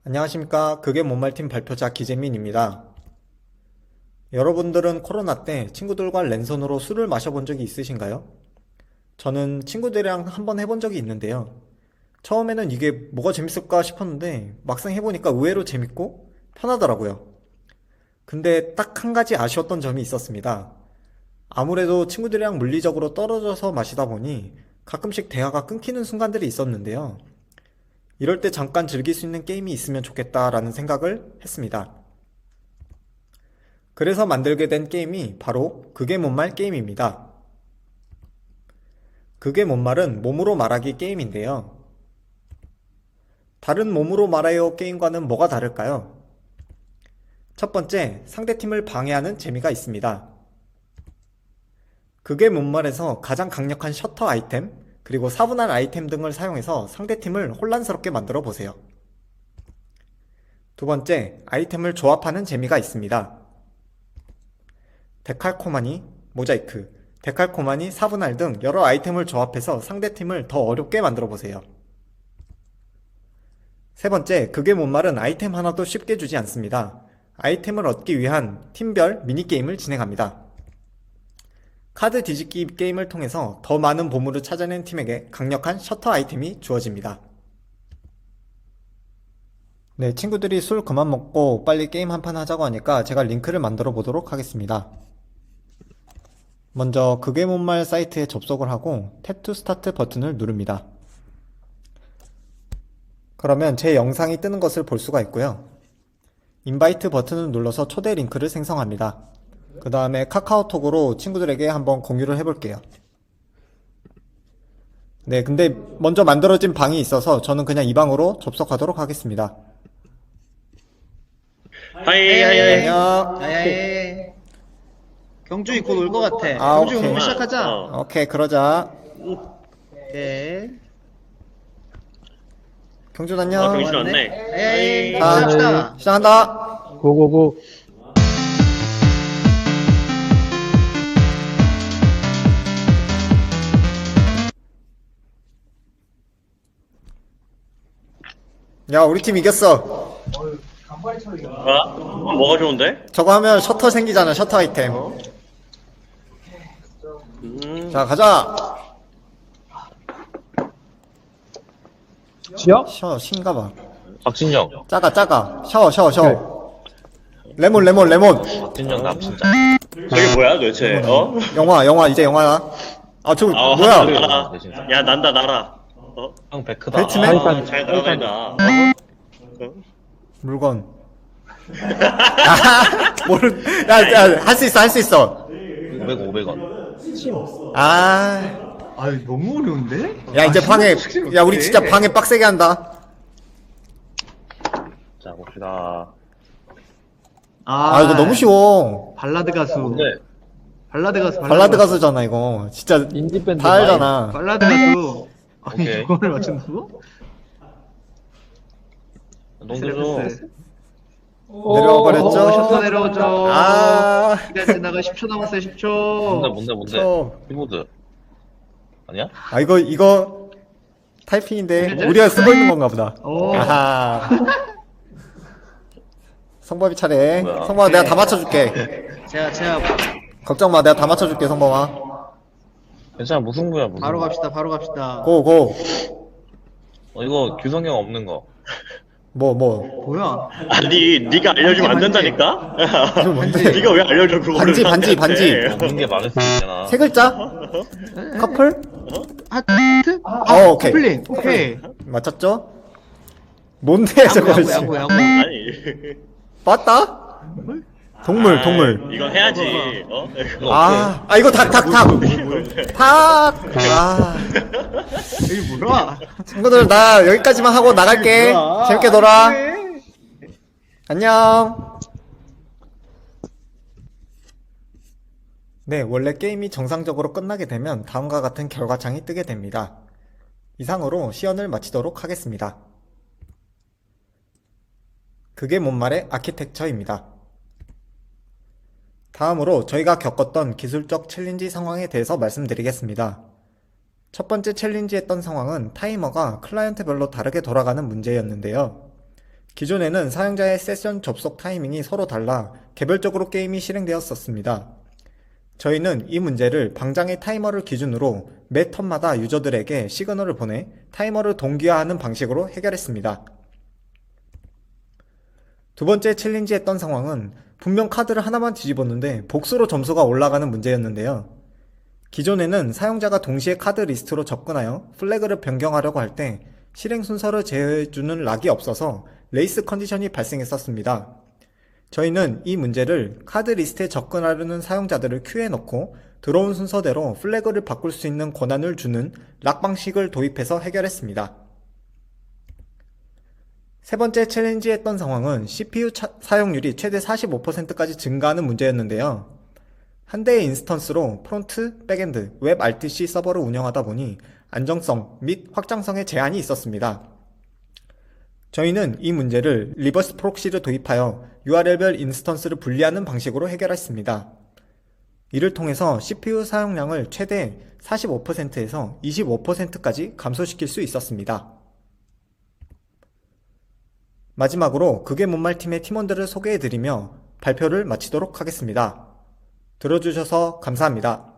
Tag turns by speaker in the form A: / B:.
A: 안녕하십니까. 그게 못말팀 발표자 기재민입니다. 여러분들은 코로나 때 친구들과 랜선으로 술을 마셔본 적이 있으신가요? 저는 친구들이랑 한번 해본 적이 있는데요. 처음에는 이게 뭐가 재밌을까 싶었는데 막상 해보니까 의외로 재밌고 편하더라고요. 근데 딱 한 가지 아쉬웠던 점이 있었습니다. 아무래도 친구들이랑 물리적으로 떨어져서 마시다 보니 가끔씩 대화가 끊기는 순간들이 있었는데요. 이럴 때 잠깐 즐길 수 있는 게임이 있으면 좋겠다라는 생각을 했습니다. 그래서 만들게 된 게임이 바로 그게 못말 게임입니다. 그게 못말은 몸으로 말하기 게임인데요. 다른 몸으로 말해요 게임과는 뭐가 다를까요? 첫 번째, 상대팀을 방해하는 재미가 있습니다. 그게 못말에서 가장 강력한 셔터 아이템, 그리고 사분할 아이템 등을 사용해서 상대팀을 혼란스럽게 만들어 보세요. 두 번째, 아이템을 조합하는 재미가 있습니다. 데칼코마니, 모자이크, 데칼코마니, 사분할 등 여러 아이템을 조합해서 상대팀을 더 어렵게 만들어 보세요. 세 번째, 그게 못말은 아이템 하나도 쉽게 주지 않습니다. 아이템을 얻기 위한 팀별 미니게임을 진행합니다. 카드 뒤집기 게임을 통해서 더 많은 보물을 찾아낸 팀에게 강력한 셔터 아이템이 주어집니다. 네, 친구들이 술 그만 먹고 빨리 게임 한 판 하자고 하니까 제가 링크를 만들어 보도록 하겠습니다. 먼저 그게 못말 사이트에 접속을 하고 탭 투 스타트 버튼을 누릅니다. 그러면 제 영상이 뜨는 것을 볼 수가 있고요. 인바이트 버튼을 눌러서 초대 링크를 생성합니다. 그 다음에 카카오톡으로 친구들에게 한번 공유를 해볼게요. 네, 근데 먼저 만들어진 방이 있어서 저는 그냥 이 방으로 접속하도록 하겠습니다.
B: 하이 하이 하이.
A: 안녕.
C: 야야야. 경준이 곧 올 것 같아.
A: 아,
C: 경준이
A: 오케이.
C: 오면 시작하자.
A: 오케이, 그러자.
C: 네.
A: 경준
B: 아,
A: 안녕.
B: 병신 왔네.
C: 에이,
A: 아,
C: 시작합시다.
A: 시작한다.
D: 고고고.
A: 야, 우리 팀 이겼어.
B: 아, 뭐가 좋은데?
A: 저거 하면 셔터 생기잖아, 셔터 아이템. 자, 가자.
D: 지역?
A: 신가봐.
E: 박진영.
A: 작아. 샤워. 레몬.
E: 박진영 남 진짜.
B: 저게 뭐야 도대체? 어?
A: 영화, 이제 영화야. 아, 저,
B: 아,
A: 뭐야.
B: 날아.
E: 내 진짜.
B: 야 난다 날아. 어?
E: 형 베크다.
A: 배트맨?
B: 아, 잘 날아다닌다. 어?
A: 물건. 아, 할 수 있어.
E: 500원.
A: 아,
C: 아유, 너무 어려운데?
A: 야, 이제 방해, 야, 우리 진짜 방해 빡세게 한다.
E: 자 봅시다.
A: 아, 이거 너무 쉬워.
C: 발라드 가수.
E: 근데
A: 발라드 가수잖아, 이거. 진짜
D: 인디밴드
A: 다 알잖아.
C: 발라드 가수. 아니,
E: 오케이.
C: 이거를 맞춘다고?
E: 농구죠.
A: 내려와 버렸죠?
C: 셔터 내려오죠.
A: 아,
C: 시간 지나가 10초 남았어요, 10초.
E: 뭔데?
A: 저.
E: 키보드. 아니야?
A: 아, 이거 타이핑인데 우리가 쓰고 있는 건가 보다.
C: 오.
A: 아하. 성범이 차례.
E: 뭐야?
A: 성범아, 내가 다 맞춰줄게.
C: 제가
A: 걱정 마, 내가 다 맞춰줄게, 성범아.
E: 괜찮아 무승부야 무승부.
C: 바로 갑시다.
A: 고.
E: 이거 규성형 없는 거.
A: 뭐.
C: 뭐야?
B: 아니 네가 알려주면 안 된다니까?
A: 이거 뭔데?
B: 네가 왜 알려줘 그거를?
A: 반지.
B: 나한테.
E: 없는 게 많을 수도 있잖아.
A: 세 글자? 커플?
C: 하트?
A: 오케이.
C: 커플링. 오케이.
A: 맞췄죠? 뭔데, 저거.
C: 야구.
B: 아니.
A: 맞다? 동물.
B: 이건 해야지. 어?
A: 이거 닭. 아,
C: 여기 뭐야?
A: 친구들, 나 여기까지만 하고 나갈게.
C: 뭐야?
A: 재밌게 놀아.
C: 그래.
A: 안녕. 네, 원래 게임이 정상적으로 끝나게 되면 다음과 같은 결과창이 뜨게 됩니다. 이상으로 시연을 마치도록 하겠습니다. 그게 못말의 아키텍처입니다. 다음으로 저희가 겪었던 기술적 챌린지 상황에 대해서 말씀드리겠습니다. 첫 번째 챌린지 했던 상황은 타이머가 클라이언트별로 다르게 돌아가는 문제였는데요. 기존에는 사용자의 세션 접속 타이밍이 서로 달라 개별적으로 게임이 실행되었었습니다. 저희는 이 문제를 방장의 타이머를 기준으로 매 턴마다 유저들에게 시그널을 보내 타이머를 동기화하는 방식으로 해결했습니다. 두 번째 챌린지했던 상황은 분명 카드를 하나만 뒤집었는데 복수로 점수가 올라가는 문제였는데요. 기존에는 사용자가 동시에 카드 리스트로 접근하여 플래그를 변경하려고 할 때 실행 순서를 제어해주는 락이 없어서 레이스 컨디션이 발생했었습니다. 저희는 이 문제를 카드 리스트에 접근하려는 사용자들을 큐에 넣고 들어온 순서대로 플래그를 바꿀 수 있는 권한을 주는 락 방식을 도입해서 해결했습니다. 세 번째 챌린지했던 상황은 CPU 사용률이 최대 45%까지 증가하는 문제였는데요. 한 대의 인스턴스로 프론트, 백엔드, 웹 RTC 서버를 운영하다 보니 안정성 및 확장성에 제한이 있었습니다. 저희는 이 문제를 리버스 프록시를 도입하여 URL별 인스턴스를 분리하는 방식으로 해결했습니다. 이를 통해서 CPU 사용량을 최대 45%에서 25%까지 감소시킬 수 있었습니다. 마지막으로 그게 못말 팀의 팀원들을 소개해드리며 발표를 마치도록 하겠습니다. 들어주셔서 감사합니다.